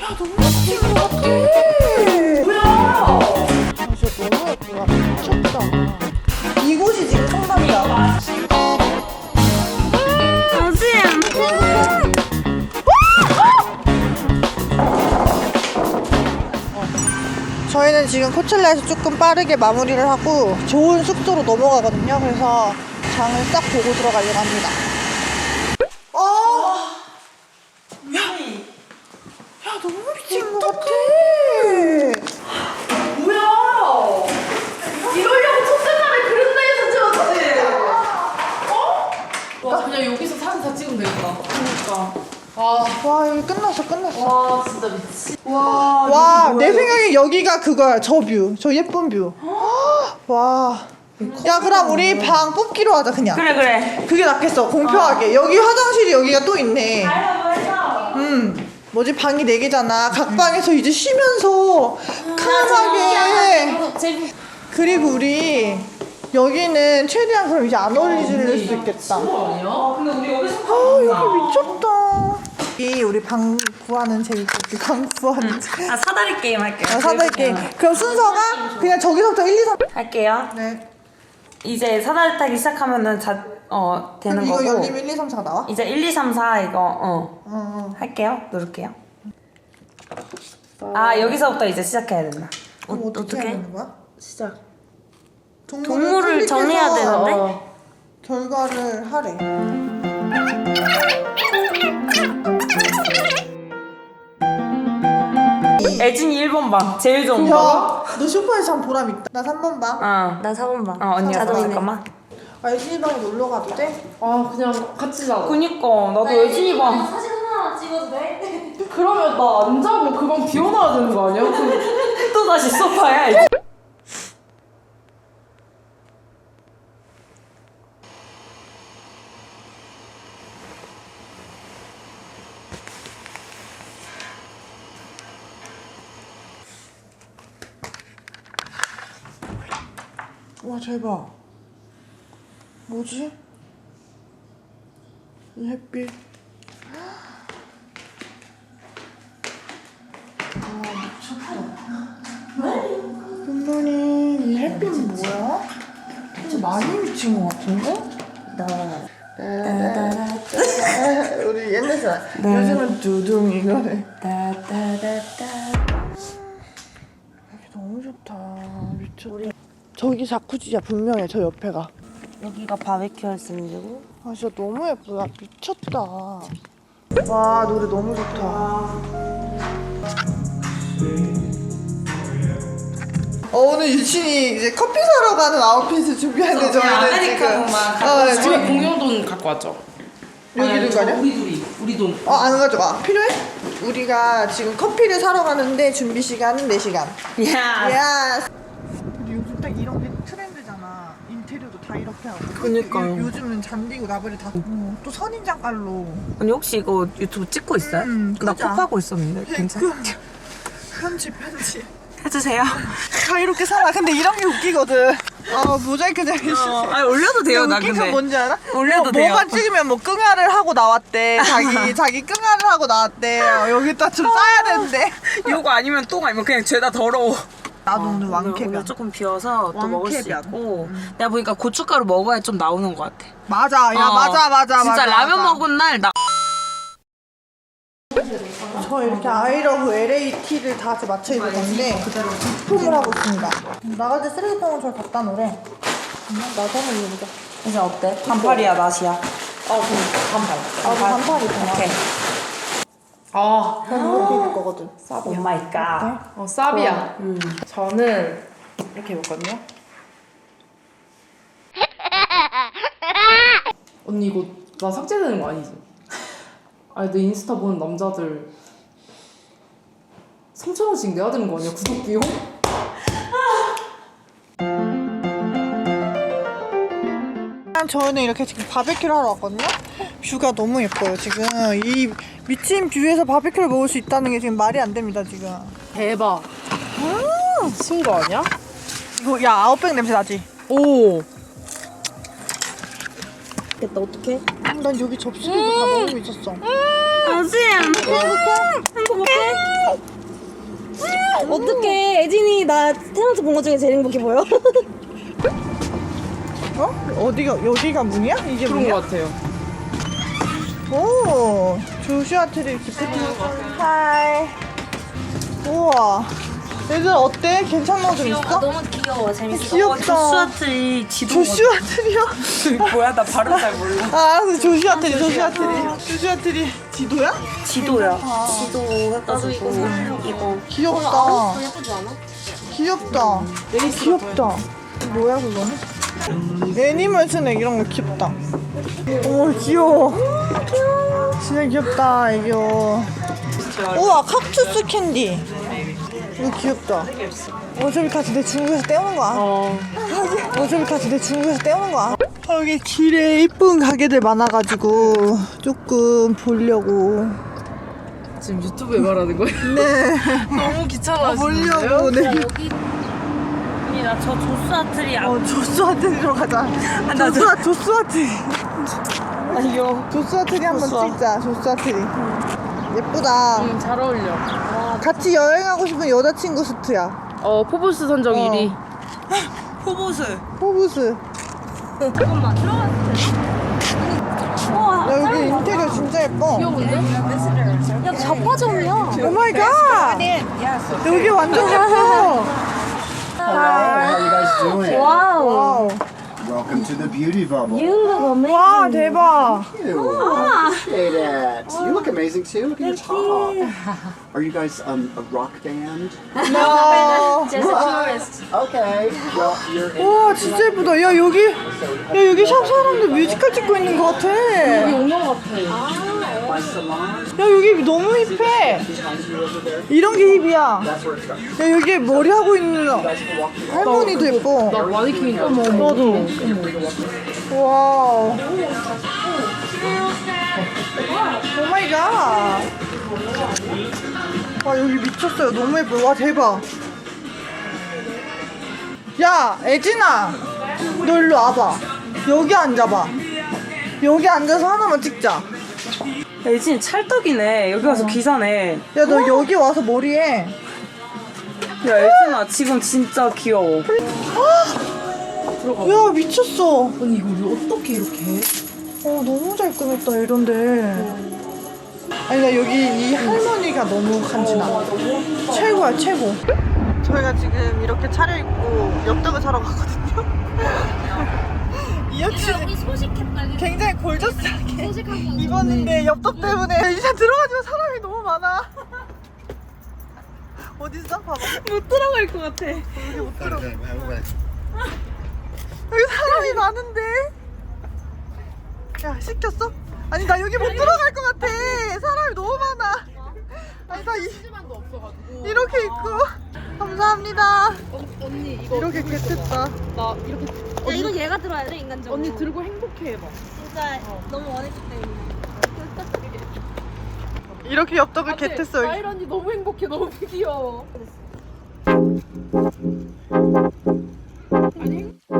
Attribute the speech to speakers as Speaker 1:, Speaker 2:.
Speaker 1: 너무 예쁜 것 같아. 뭐야? 진짜 너무 예쁘다. 미쳤다. 이곳이 지금 성남이야. 저희는 지금 코첼라에서 조금 빠르게 마무리를 하고 좋은 숙소로 넘어가거든요. 그래서 장을 싹 보고 들어가려고 합니다. 야, 너무 미친 것 같아.
Speaker 2: 뭐야? 이러려고 첫째날에 그런 데에서 찍었지? 어? 와, 그냥 여기서 사진 다 찍으면 되겠다. 그러니까.
Speaker 1: 와, 여기 끝났어.
Speaker 2: 와, 진짜 미치.
Speaker 1: 와, 내 생각에 여기가 그거야. 저 뷰. 저 예쁜 뷰. 와. 야, 그럼 우리 방 뽑기로 하자, 그냥.
Speaker 2: 그래.
Speaker 1: 그게 낫겠어, 공평하게. 여기 화장실이 여기가 또 있네. 뭐지, 방이 4개잖아. 각 방에서 이제 쉬면서 칸하게. 그리고 우리 여기는 최대한 그럼 이제 안 어울리질 수 있겠다.
Speaker 2: 아니야? 근데 우리 여기서
Speaker 1: 여기 미쳤다. 이 우리 방 구하는 재밌겠지. 방 구하는 재밌.
Speaker 3: 사다리 게임 할게요.
Speaker 1: 사다리 게임. 그럼 순서가 그냥 저기서부터 1, 2, 3.
Speaker 3: 할게요.
Speaker 1: 네.
Speaker 3: 이제 사다리 타기 시작하면은 되는
Speaker 1: 이거
Speaker 3: 거고.
Speaker 1: 열리면 1, 2, 3, 4가 나와?
Speaker 3: 이제 1, 2, 3, 4 이거 할게요. 누를게요. 여기서부터 이제 시작해야 된다.
Speaker 1: 그럼 어떻게 해야 되는 거야?
Speaker 2: 시작.
Speaker 3: 동물을 정해야 되는데?
Speaker 1: 결과를 하래.
Speaker 3: 애진이 1번 방. 제일 좋은 거.
Speaker 1: 야, 너 쇼파에서 참 보람 있다. 나 3번 방.
Speaker 3: 나
Speaker 4: 4번 방.
Speaker 3: 언니가
Speaker 4: 자동이네.
Speaker 3: 잠깐만.
Speaker 1: 애진이 방에 놀러 가도 돼?
Speaker 2: 그냥 같이 자자.
Speaker 3: 그니까 나도 애진이 방.
Speaker 4: 사진 하나만 찍어도 돼?
Speaker 2: 그러면 나 안 자고 그 방 비워놔야 되는 거 아니야?
Speaker 3: 또 다시 소파야. 이제.
Speaker 1: 와, 대박. 뭐지? 이 햇빛. 와, 미쳤다. 분명히 이 햇빛은 뭐야? 좀 많이 미친 것 같은데? 우리 옛날 사람. 요즘은 두둥 이거래. 여기 너무 좋다. 미쳤다. 저기 자쿠지야, 분명해. 저 옆에가.
Speaker 3: 여기가 바베큐 할 수 있는 데고.
Speaker 1: 진짜 너무 예쁘다. 미쳤다. 와, 노래 너무 좋다. 오늘 유진이 이제 커피 사러 가는 아웃핏을 준비하는데 저희는 지금
Speaker 2: 저희 공용돈 갖고 왔죠?
Speaker 1: 여기 있는 거 아니야?
Speaker 2: 우리 돈.
Speaker 1: 안 가져가. 필요해? 우리가 지금 커피를 사러 가는데 준비 시간은 4시간. 야. 근데 요즘 딱 이런 게 트렌드잖아. 인테리어도 다 이렇게 하고.
Speaker 3: 그니까요.
Speaker 1: 요즘은 잔디고 나발이 다 또 선인장 깔로.
Speaker 3: 언니 혹시 이거 유튜브 찍고 있어요? 나
Speaker 1: 그죠?
Speaker 3: 콕하고 있었는데 괜찮아?
Speaker 1: 편집.
Speaker 3: 해주세요.
Speaker 1: 다 이렇게 살아. 근데 이런 게 웃기거든. 모자이크 잘
Speaker 3: 올려도 돼요. 나
Speaker 1: 웃긴
Speaker 3: 근데
Speaker 1: 건 뭔지 알아?
Speaker 3: 올려도 돼요.
Speaker 1: 뭐가 찍으면 뭐 끙아를 하고 나왔대. 자기 끙아를 하고 나왔대. 여기다 좀 싸야 되는데.
Speaker 3: 이거 아니면 똥 아니면 그냥 죄다 더러워.
Speaker 1: 나도 오늘 왕캐비야.
Speaker 3: 오늘 조금 비워서 또 먹을 수
Speaker 1: 왕캐비야.
Speaker 3: 있고 내가 보니까 고춧가루 먹어야 좀 나오는 것 같아.
Speaker 1: 맞아. 맞아.
Speaker 3: 진짜 라면 먹은 날 나.
Speaker 1: 저 이렇게 아이러브 LAT를 다 같이 맞춰 입을 건데 소통을 하고 있습니다. 나갈 때 쓰레기통을 저 갖다 놓으래. 나도 한번 입어보자.
Speaker 3: 이제 어때? 반팔이야 나시야?
Speaker 2: 그럼 반팔.
Speaker 1: 반팔 입구나.
Speaker 3: 오케이.
Speaker 1: 난 이렇게 입을 거거든.
Speaker 3: 오 마이 갓.
Speaker 2: 쌉이야. 저는 이렇게 입었거든요. 언니 이거 나 삭제되는 거 아니지? 아니 내 인스타 보는 남자들 3,000원씩 내야 되는 거 아니야? 구독 비용?
Speaker 1: 저희는 이렇게 지금 바베큐를 하러 왔거든요. 뷰가 너무 예뻐요. 지금 이 미친 뷰에서 바베큐를 먹을 수 있다는 게 지금 말이 안 됩니다. 지금.
Speaker 2: 대박. 미친 거 아니야?
Speaker 1: 이거 야 아웃백 냄새 나지?
Speaker 2: 오.
Speaker 3: 됐다 어떡해?
Speaker 1: 난 여기 접시를 다 먹고 있었어.
Speaker 3: 당신 행복해?
Speaker 4: 나 태어나서 본 것 중에 제일 행복해 보여.
Speaker 1: 어? 어디가 여기가 문이야? 이게
Speaker 2: 그런
Speaker 1: 문이야?
Speaker 2: 것 같아요.
Speaker 1: 오, 조슈아 트리 기프트. 하이. 우와. 얘들 어때? 괜찮아 좀 있어?
Speaker 4: 너무 귀여워. 재밌어.
Speaker 1: 귀엽다.
Speaker 3: 조슈아트리 지도.
Speaker 1: 조슈아 트리요?
Speaker 3: 뭐야? 나 발음 잘 몰라.
Speaker 1: 아, 알았어. 조슈아 트리, 조슈아 트리. 조슈아 트리 지도야?
Speaker 3: 지도야. 지도 해가지고 이거.
Speaker 1: 귀엽다.
Speaker 4: 예쁘지 않아?
Speaker 1: 귀엽다. 되게 귀엽다. 뭐야 그거는? 애니멀 스낵 이런 거 귀엽다. 오 귀여워. 진짜 귀엽다 애교. 우와 칵투스 캔디. 이거 귀엽다. 어차피 같이 내 중국에서 떼오는 거야. 어차피 같이 내 중국에서 떼오는 거야. 여기 길에 이쁜 가게들 많아가지고 조금 보려고.
Speaker 2: 지금 유튜브에 말하는 거예요?
Speaker 1: 네.
Speaker 2: 너무 귀찮아하시는데요?
Speaker 1: 보려고. 네.
Speaker 3: 언니 나 저 조슈아트리
Speaker 1: 조스와 트리로 가자. 조스와 트리.
Speaker 3: 아니요.
Speaker 1: 조스와 트리 한번 찍자. 조스와 트리. 예쁘다.
Speaker 2: 잘 어울려.
Speaker 1: 같이 여행하고 싶은 여자친구 수트야.
Speaker 2: 포브스 선정 1위.
Speaker 3: 포보스.
Speaker 1: 포브스.
Speaker 4: 잠깐만 들어갔을 우와.
Speaker 1: 야 여기 인테리어 진짜 예뻐.
Speaker 2: 귀여운데?
Speaker 4: 야 자파점이야.
Speaker 1: 오 마이 갓. 여기 완전 예뻐.
Speaker 5: How you guys doing?
Speaker 4: 와우.
Speaker 1: 와우.
Speaker 5: Welcome to the beauty bubble.
Speaker 4: You look amazing.
Speaker 1: 와 대박.
Speaker 5: You appreciate it. You look amazing too. Look at your top. Are you guys a rock band?
Speaker 1: 나.
Speaker 4: Just a tourist.
Speaker 5: Okay. Well, you're in
Speaker 1: 와 진짜 예쁘다. 야 여기 샵 사람들 뮤지컬 찍고 있는 것 같아.
Speaker 2: 영화 같아.
Speaker 5: my salon.
Speaker 1: 야 여기 너무 힙해.
Speaker 5: Behind you over there.
Speaker 1: 이런 게 힙이야.
Speaker 5: That's where it's going.
Speaker 1: 야 여기 머리 하고 있는
Speaker 5: You guys can walk through.
Speaker 1: 할머니도 예뻐.
Speaker 2: 나 마네킹인가?
Speaker 1: 나도. 와우. 오 마이 갓. 와 여기 미쳤어요. 너무 예뻐요. 와 대박. 야 애진아 너 일로 와봐. 여기 앉아봐. 여기 앉아서 하나만 찍자.
Speaker 3: 애진 찰떡이네. 여기 와서 기사네.
Speaker 1: 야 너 여기 와서 머리해.
Speaker 3: 야 애진아 지금 진짜 귀여워.
Speaker 1: 야 미쳤어.
Speaker 2: 아니 이거 어떻게 이렇게 해?
Speaker 1: 너무 잘 꾸몄다 이런데. 아니 나 여기 이 할머니가 너무 간지나. 최고야 최고. 저희가 지금 이렇게 차려입고 엽떡을 사러 갔거든요. 이현 씨
Speaker 4: 여기 소식했다.
Speaker 1: 굉장히 골저스하게
Speaker 4: 소식한 거.
Speaker 1: 입었는데 엽떡 때문에 이제 들어가지만 사람이 너무 많아. 어딨어? 봐봐.
Speaker 3: 못 들어갈 것 같아.
Speaker 1: 여기 못 들어. 여기 사람이 많은데. 야 시켰어? 아니 나 여기 못 들어갈 것 같아. 사람이 너무 많아. 아니 다
Speaker 2: 시간도 없어가지고.
Speaker 1: 이렇게 입고. 감사합니다.
Speaker 2: 언니 이거
Speaker 1: 이렇게 개뜯다.
Speaker 2: 나 이렇게
Speaker 4: 야 이건 얘가 들어야 돼 인간적으로.
Speaker 2: 언니 들고 행복해 해봐.
Speaker 4: 진짜 너무 원했기 때문에.
Speaker 1: 이렇게 엽떡을 개뜯어.
Speaker 2: 나일 언니 너무 행복해. 너무 귀여워. 아니